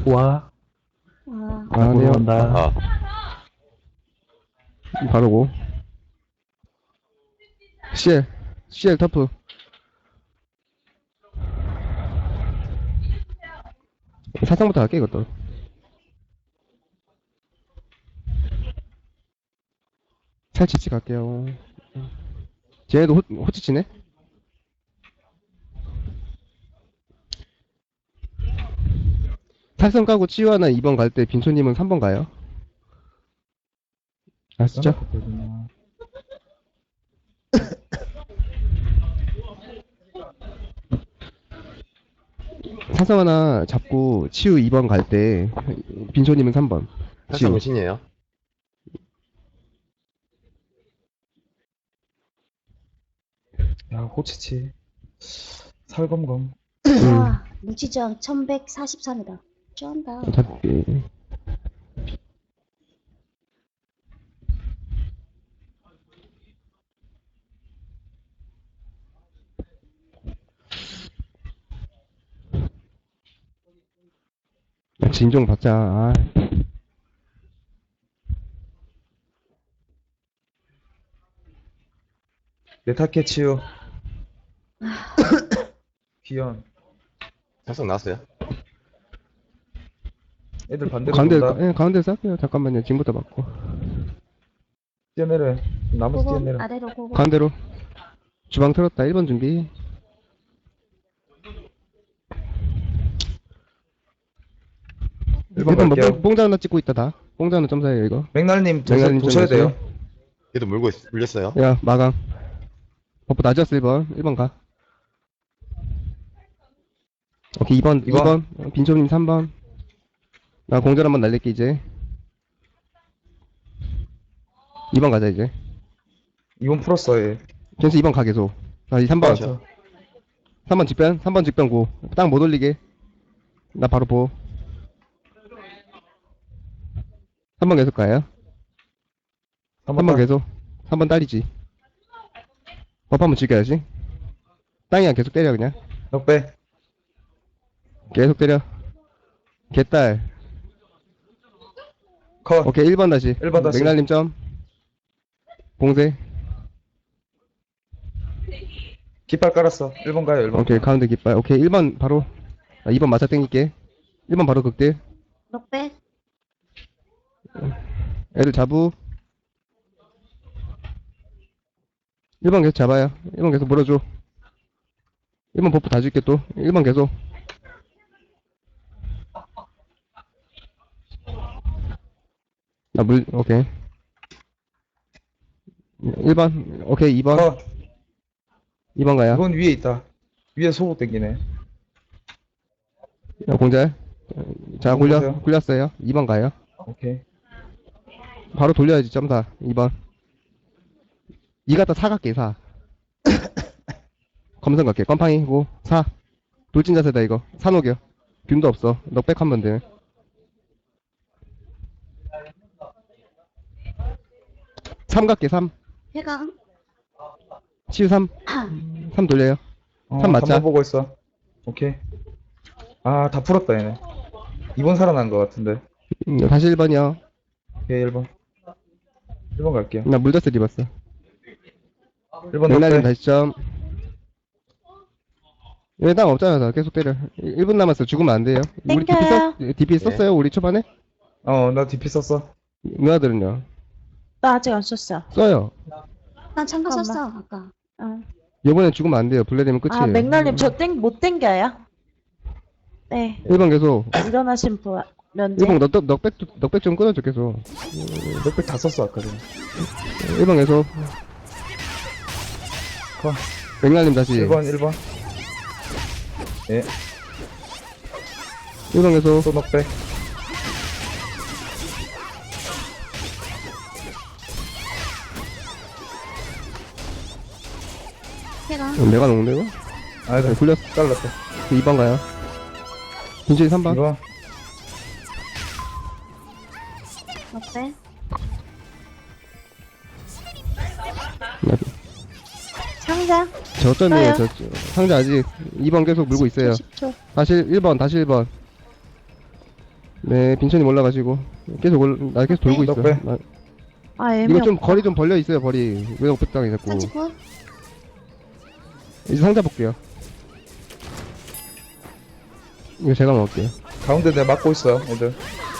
데리고 와. 아, 보러 네요. 간다. 바로고. CL 터프. 사상부터 할게, 이것도. 살치치 갈게요. 쟤네도 호치치네? 탈선 까고 치유하나 2번 갈 때 빈초님은 3번 가요. 아시죠? 써놨거든요. 탈선 하나 잡고 치유 2번 갈 때 빈초님은 3번. 탈선 치유. 몇신이에요? 야, 호치치. 살검검. 와, 무지정 1143이다. 쩐다. 잡기. 진종 받자. 아, 네타케 치유. 귀연. 탈선 나왔어요? 애들 반대로 가운데, 돈다. 예, 가운데 쌀게요. 잠깐만요. 지금부터 받고. 뛰어내려. 나머지 고고 뛰어내려. 아래로 고고. 가운데로. 주방 틀었다. 1번 준비. 일번 1번 뭐, 갈게요. 뽕자 하나 찍고 있다, 다. 뽕자 하나 점사해요, 이거. 맥날님 맥날님 도셔야 좀 돼요. 얘도 물렸어요. 야, 마강. 버프 낮았어, 1번. 1번 가. 오케이, 2번. 이번. 2번. 빈초님 3번. 나 공절 한번 날릴게, 이제. 2번 가자, 이제. 이번 풀었어, 얘. 젠스 2번 가, 계속. 아, 3번. 그렇죠. 3번 직변. 3번 직변 고. 딱 못 올리게. 나 바로 보. 3번 계속 가요. 3번 계속. 3번 딸이지. 버프 한번 즐겨야지. 땅이야, 계속 때려, 그냥. 넉배. 계속 때려. 개딸. 컷. 오케이, 1번 다시. 1번 다시. 맥날님 점. 봉쇄. 깃발 깔았어. 1번 가요, 1번. 오케이, 가운데 깃발. 오케이, 1번 바로. 2번 맞아 땡길게. 1번 바로 극딜. 넉백. 애들 잡우. 1번 계속 잡아요. 1번 계속 물어줘. 1번 버프 다 줄게 또. 1번 계속. 오케이. 1번. 오케이, 2번. 컷. 2번 가요. 이건 위에 있다. 위에 소고 땡기네. 공잘. 자, 보세요. 굴렸어요. 2번 가요. 오케이. 바로 돌려야지, 점사. 2번. 2 갖다 4 갈게, 4. 검성 갈게. 껌팡이고, 4. 돌진 자세다, 이거. 4 녹여. 균도 없어. 넉백 하면 돼. 3 갈게, 3. 회강. 치유 3. 3 돌려요. 3 맞자. 3번 보고 있어. 오케이. 아, 다 풀었다, 얘네. 2번 살아난 것 같은데. 다시 1번이요. 오케이, 1번. 1번 갈게요. 나 물더스 입었어. 1번 맥날님 넉배. 다시 점. 얘 땅 없잖아, 나 계속 때려. 1분 남았어. 죽으면 안 돼요. 우리 땡겨요. DP 썼어요, 우리 초반에? 나 DP 썼어. 누나들은요? 나 아직 안 썼어. 써요. 난 참가 잠깐만. 썼어, 아까. 이번엔 죽으면 안 돼요. 블레되면 끝이에요. 아, 맥날님 못 땡겨요? 네. 1번 계속. 일어나신 분, 면제. 1번 넉백 좀 끊어줘, 계속. 넉배 다 썼어, 아까 전에. 1번 계속. 컷. 맥날님 다시. 1번. 예, 1번 계속. 또 넉배. 회강. 내가 녹는데, 이거? 아, 네. 굴렸어. 잘랐다. 2번 가요. 빈준이 3번. 2번. 넉백. 상자. 저점이에요, 써요. 상자 아직 2번 계속 물고 있어요. 10초. 다시 1번, 다시 1번. 네, 빈천님 올라가시고. 나 계속 돌고 있어. 넉배. 아, 이거 애매없다. 좀 거리 좀 벌려 있어요, 거리. 왜 넉배땅이 자꾸. 39. 이제 상자 볼게요. 이거 제가 먹을게요. 가운데 내가 막고 있어, 애들.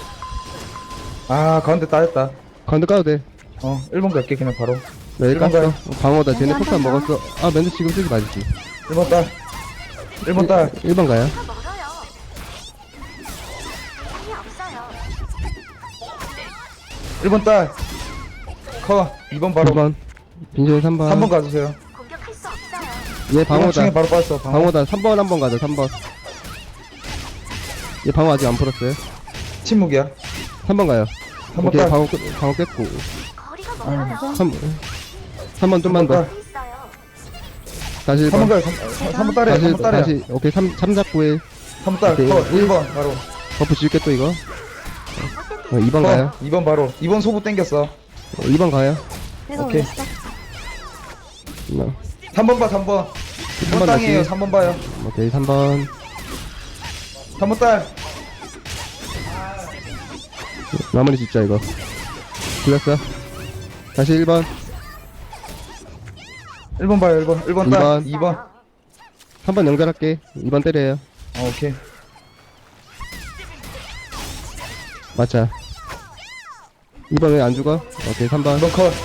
아, 가운데 따였다. 가운데 까도 돼. 1번 갈게, 그냥 바로. 네, 일번 깠어. 가요. 방어다. 쟤네 한 폭탄 번 더. 먹었어. 아, 멘트 지금 쓰지 마시지. 1번 딸. 1번 딸. 1번 가요. 1번 딸. 커. 2번 바로. 2번. 빈천이 3번. 3번 가주세요. 얘 1번 방어다. 중에 바로 빠졌어, 방어. 방어다. 3번 한번 가자, 3번. 얘 방어 아직 안 풀었어요. 침묵이야. 3번 가요. 3번 오케이, 딸. 방어 깼고. 아, 3번 좀만 더. 딸. 다시 3번 1번. 가요. 3번 딸이야, 3번 딸이야. 다시, 오케이, 3 잡고 1. 3번 딸. 오케이. 커. 1번 바로. 버프 줄게 또 이거. 2번 커. 가요. 2번 바로. 2번 소부 땡겼어. 2번 가요. 내가 오케이. 올렸어. 3번 봐, 3번. 3번 2번 땅이에요, 다시. 3번 봐요. 오케이, 3번. 3번 딸. 마무리 짓자, 이거. 굴렸어. 다시 1번. 1번 봐요, 1번. 1번 딸. 2번. 2번. 3번 연결할게. 2번 때려요. 오케이. 맞자. 2번 왜 안 죽어? 오케이, 3번. 2번 컷.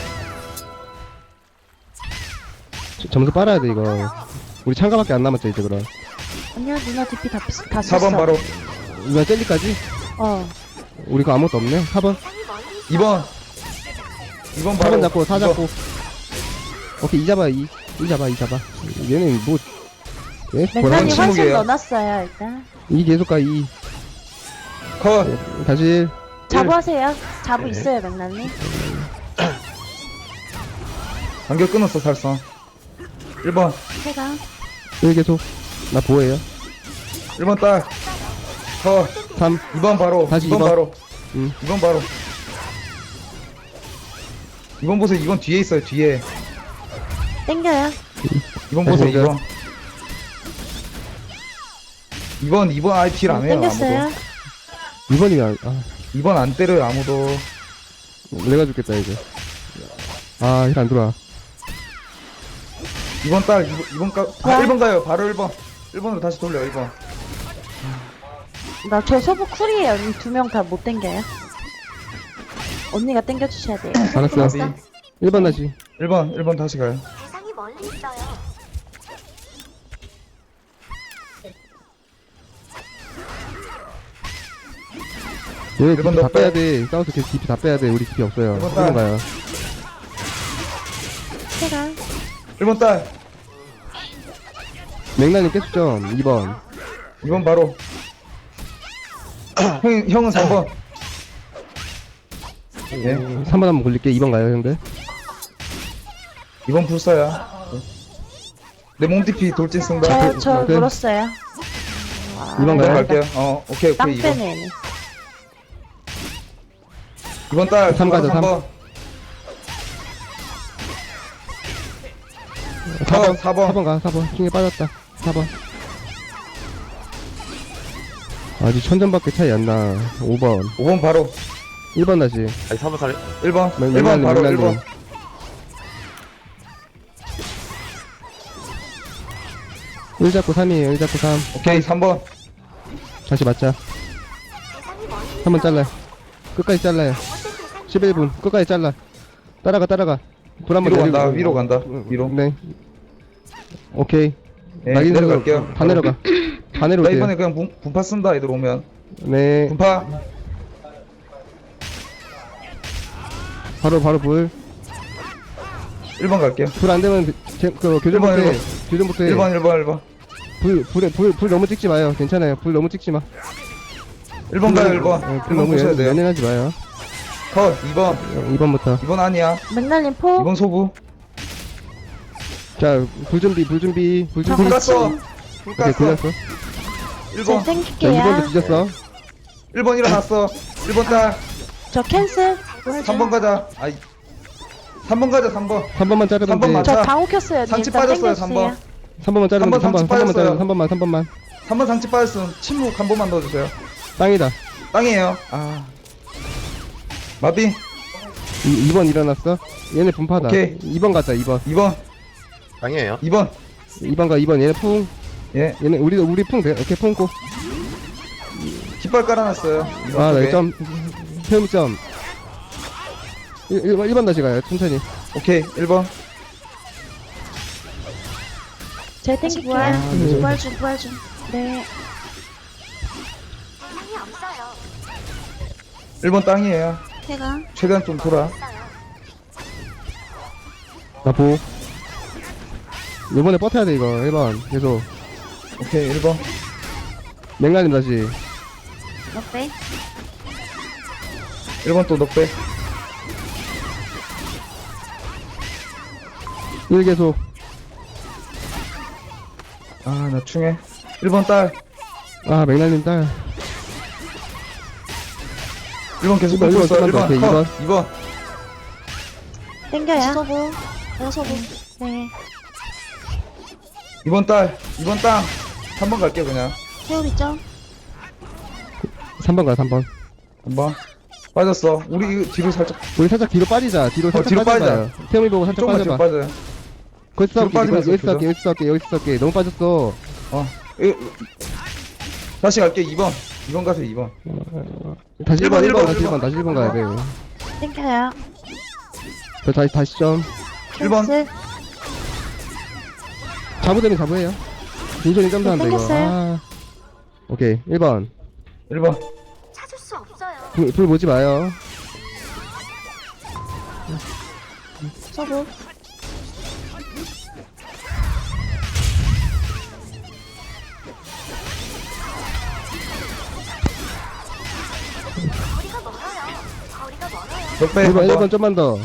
점수 빨아야 돼, 이거. 우리 참가밖에 안 남았죠, 이제 그럼. 아니야, 누나 DP 다 썼어. 4번 바로. 이번 젤리까지? 어. 우리 거 아무것도 없네. 4번. 2번. 2번 바로. 4번 잡고, 4 이번. 잡고. 오케이, 2 잡아, 2. 2 잡아, 2 잡아. 얘는 뭐, 예? 맥날이 뭐라? 한 환승 침묵이에요. 넣어놨어요, 일단. 2 계속 가, 2. 컷. 다시 1. 자부하세요. 자부 네. 있어요, 맥날님. 간격 끊었어, 살성. 1번. 제가 1 계속. 나 보호해요. 1번 딸. 컷. 3. 2번 바로. 다시 2번 2번. 바로. 2. 2번 바로. 2번 보세요. 2번 뒤에 있어요. 뒤에. 땡겨요. 2번 보세요. 네, 2번. 2번 IP를 안 해요. 땡겼어요. 아무도. 2번이면, 아, 2번 안 때려요. 아무도. 내가 죽겠다, 이제. 아, 힐 안 들어와. 2번 딸. 2번 가. 와. 1번 가요. 바로 1번. 1번으로 다시 돌려. 1번. 나 저 소부 쿨이에요. 언니 2명 다 못 땡겨요. 언니가 땡겨주셔야 돼요. 알았어. 나비. 1번 다시. 1번 다시 가요. 대상이 멀리 있어요. 얘 일번 DP 다 더 빼야 빼. 돼. 싸워서 계속 DP 다 빼야 돼. 우리 DP 없어요. 일번 1번 딸. 가요. 제가 1번 딸. 맥라님 깨수점 2번. 2번 바로. 형은 3번. 예. 3번 한번 굴릴게. 2번 가요, 형들. 2번 불사야. 내 몸DP 돌진 쓴다. 저 오케이. 물었어요. 2번 2번 가요. 갈게요. 오케이, 땅 2번. 빼네, 얘네. 2번 딸. 3 가자, 3번. 4번. 4번. 4번 가, 4번. 중에 빠졌다. 4번. 아직 천점밖에 차이 안 나. 5번. 5번 바로. 1번 다시. 아니 3번 살려 1번. 맥- 1번 바로 맥날님. 1번. 1 잡고 3이에요. 1 잡고 3. 오케이, 3번. 다시 맞자. 3번 잘라요. 끝까지 잘라요. 11분. 끝까지 잘라. 따라가. 불 한번 위로 내리고. 간다. 위로 간다. 위로. 네. 오케이. 예, 낙인 내려갈게요. 다 내려가. 다 나 내려오세요. 이번에 그냥 분파 쓴다, 애들 오면. 네. 분파. 바로 불. 1번 갈게요. 불 안 되면 교전부터 일번, 해. 일번. 교전부터 해. 1번. 불 너무 찍지 마요. 괜찮아요. 불 너무 찍지 마. 1번 가요, 1번. 불 1번 너무 보셔야 돼요. 연연하지 마요. 컷, 2번. 2번부터. 2번 아니야. 맥날님 포. 2번 소부. 자, 불 준비. 불 준비. 불 같이. 깠어. 불 오케이, 깠어. 굴렸어. 저 1번. 자, 땡길게요. 2번도 뒤졌어. 1번 일어났어. 1번 딸. 저 캔슬. 3번 가자. 아이. 3번 가자, 3번. 3번만 자르면 3번 돼. 맞아. 저 방호 켰어요. 상치 일단 빠졌어요, 땡겨주세요. 3번만 자르면 돼. 3번 상치 3번만 자르면 빠졌어요. 3번만. 3번 상치 빠졌음. 침묵 한 번만 넣어주세요. 땅이다. 땅이에요. 아. 마비. 2번 일어났어. 얘네 분파다. 오케이. 2번 가자, 2번. 2번. 땅이에요. 2번. 2번 가, 2번. 얘네 풍. 예. 얘네, 우리 풍 돼. 오케이, 풍고. 깃발 깔아놨어요. 2번 아, 쪽에. 나 점. 태음점. 1번 다시 가요, 천천히. 오케이. 1번. 제 다시 땡길게요. 부활. 네. 부활 중, 부활 중. 네. 1번 땅이에요. 해가. 최대한 좀 돌아. 나 보. 요번에 버텨야 돼, 이거. 1번. 계속. 오케이. 1번. 맥라님 다시. 넉배. 1번 또 넉배. 1 계속. 아, 나 충해. 1번 딸. 아, 맥라님 딸. 1번 계속 이번, 긁고 있어. 이번, 1번. 오케이, 컷. 2번. 땡겨요. 서부. 내가 서부. 네. 2번 딸. 2번 땅. 3번 갈게요, 그냥. 태울 있죠? 3번 가, 3번. 3번. 빠졌어. 우리 이거 뒤로 살짝, 우리 살짝 뒤로 빠지자. 뒤로 살짝 뒤로 빠져봐요. 태음이 보고 살짝 조금만 뒤로 빠져봐. 빠져요. 거기서 뒤로 싸울게. 빠지면서 여기서 싸울게, 조져. 여기서 싸울게, 여기서 싸울게. 너무 빠졌어. 다시 갈게, 2번. 2번 가세요, 2번. 다시 1번, 1번, 다시 1번. 1번, 다시 1번 가야 돼. 땡겨요. 저 다시 점. 1번. 캔슬. 자부되면 자부해요. 빈손이 점수한다, 이거. 땡겼어요. 아. 오케이, 1번. 1번. 찾을 수 없어요. 불 보지 마요. 서부. 넉배. 1번, 1번 1번. 좀만 더.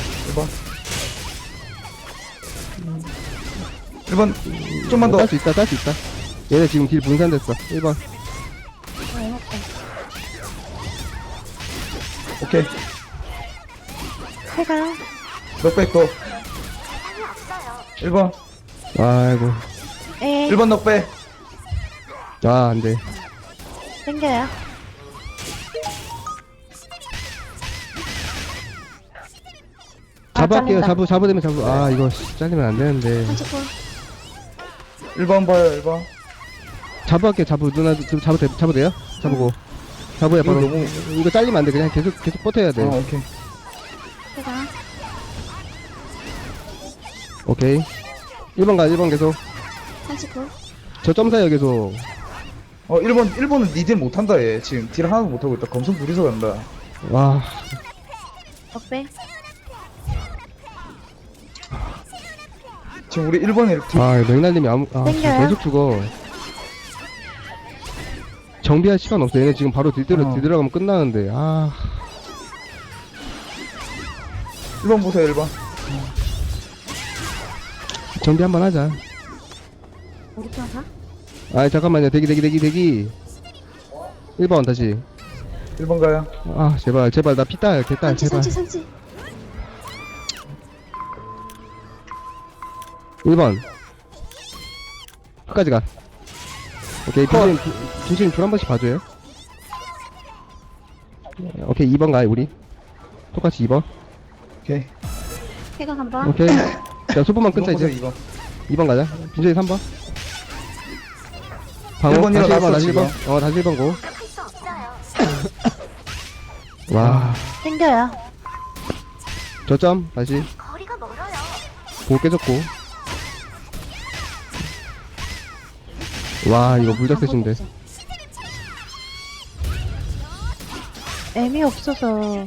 1번. 좀만 더. 딸 수 있다, 딸 수 있다. 얘네 지금 딜 분산됐어. 1번. 오케이. 해가. 넉백 또. 1번. 아이고. 에. 1번 넉배. 아, 안 돼. 땡겨요. 자부 할게요. 잘린다. 자부되면 자부. 아, 이거 잘리면 안 되는데. 한치콜. 1번 봐요, 1번. 자부 할게요. 자부. 누나, 지금 자부 돼요? 자부고. 자부야, 이거 바로. 너무- 이거 잘리면 안 돼. 그냥 계속 버텨야 돼. 오케이. 해가. 오케이. 1번 가, 1번 계속. 한치콜. 저 점사요, 계속. 1번은 니딜 못한다, 얘. 지금 딜 하나도 못하고 있다. 검성 둘이서 간다. 와. 넉배. 지금 우리 1번에 이렇게. 아, 맥날님이 땡겨요. 계속 죽어. 정비할 시간 없어. 얘네 지금 바로 들어가면 끝나는데. 아. 1번 보세요, 1번. 정비 한번 하자. 우리 편 가? 아, 잠깐만요. 대기. 1번 다시. 1번 가요. 아, 제발. 나 피딸, 개딸, 산치, 제발. 산치, 산치. 1번. 끝까지 가. 오케이, 빈신님 불 한 번씩 봐줘요. 오케이, 2번 가요, 우리. 똑같이 2번. 오케이. 해가 한 번. 오케이. 자, 소부만 끊자, 2번 보세요, 이제. 2번. 2번 가자. 빈신이 3번. 방어, 1번 다시 1번, 일어났어, 다시 지금. 1번. 다시 1번 고. 와, 땡겨요. 저점, 다시. 보고 깨졌고. 와, 이거 물작 세신데. 애미 없어서.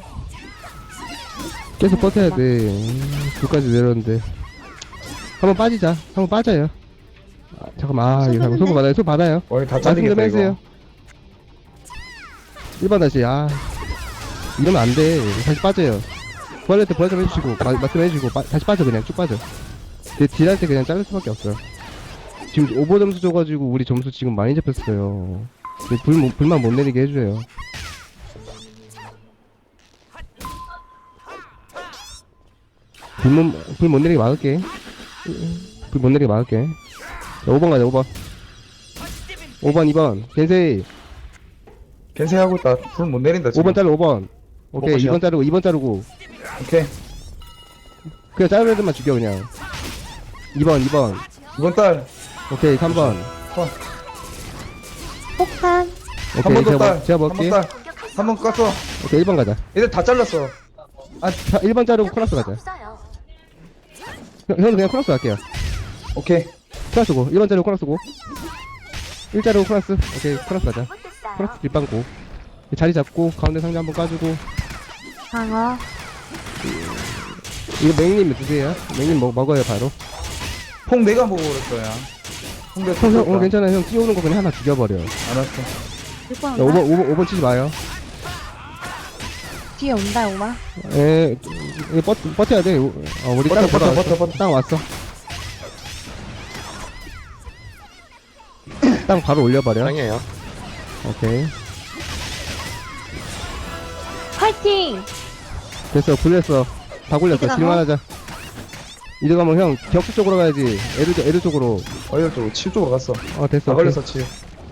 계속 버텨야 돼. 둘까지 내렸는데. 한번 빠지자. 한번 빠져요. 아, 잠깐만, 이거 소부 받아요. 소부 받아요. 다 말씀 좀 잘리겠다, 해주세요. 이거. 1번 다시, 이러면 안 돼. 다시 빠져요. 부활할 때 부활 좀 해주시고, 말씀해주시고, 다시 빠져, 그냥 쭉 빠져. 딜할 때 그냥 자를 수밖에 없어요. 지금 오버 점수 줘가지고, 우리 점수 지금 많이 잡혔어요. 불만 못 내리게 해줘요. 불 못 내리게 막을게. 불 못 내리게 막을게. 자, 5번 가자, 5번. 5번, 2번. 겐세이. 겐세하고 있다. 불 못 내린다, 지금. 5번 자르고 5번. 오케이, 먹으시오. 2번 자르고 2번 자르고. 오케이. 그냥 자르는 애들만 죽여 그냥. 2번 2번. 이번 딸. 오케이 3번. 폭탄. 오케이 한 번 더 딸. 제가 한 번 먹을게. 딸. 한 번 깠어. 오케이 1번 가자. 얘들 다 잘랐어. 아 1번 자르고 코너스 가자. 형은 그냥 코너스 갈게요. 오케이. 코너스고 1번 자르고 코너스고. 1 자르고 코너스. 오케이 코너스 가자. 코너스 뒷방고. 자리 잡고 가운데 상자 한번 까주고. 방어. 이거 맥님 드세요. 맥님 먹어요 바로. 폭 내가 먹어버렸어, 야. 폭 내가 형, 쳤다. 괜찮아. 형 뛰어오는 거 그냥 하나 죽여버려. 야, 알았어. 6번 5번 치지 마요. 뒤에 온다, 오마. 에, 이거 버텨야 돼. 우리 버텨, 땅 버텨, 돌아왔어. 버텨, 버텨. 땅 왔어. 땅 바로 올려버려. 땅이에요. 오케이. 파이팅! 됐어. 굴렸어. 다 굴렸어. 이제 가서? 질만하자. 이제 가면 형 격수 쪽으로 가야지. 에르 쪽으로. 어이럴 쪽으로, 칠 쪽으로 갔어. 됐어. 다 걸렸어, 칠.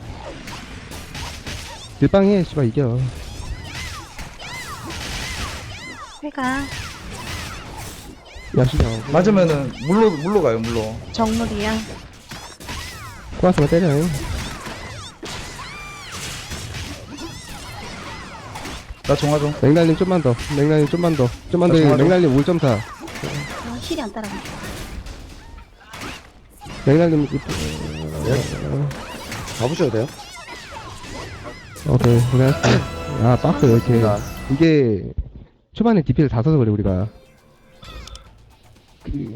밀빵해. 씨발 이겨. 회가. 야시장. 맞으면은, 물로 가요, 물로. 정물이야. 코라스만 때려. 나 종화종. 맥날님 좀만 더. 맥날님 좀만 더. 좀만 더. 나 정화로. 맥날님 5.4. 아, 힐이 안 따라가. 맥날님. 가보셔도 돼요. 오케이. 고생했어. 아, 박스 왜 이렇게. 이게, 초반에 DP를 다 써서 그래, 우리가.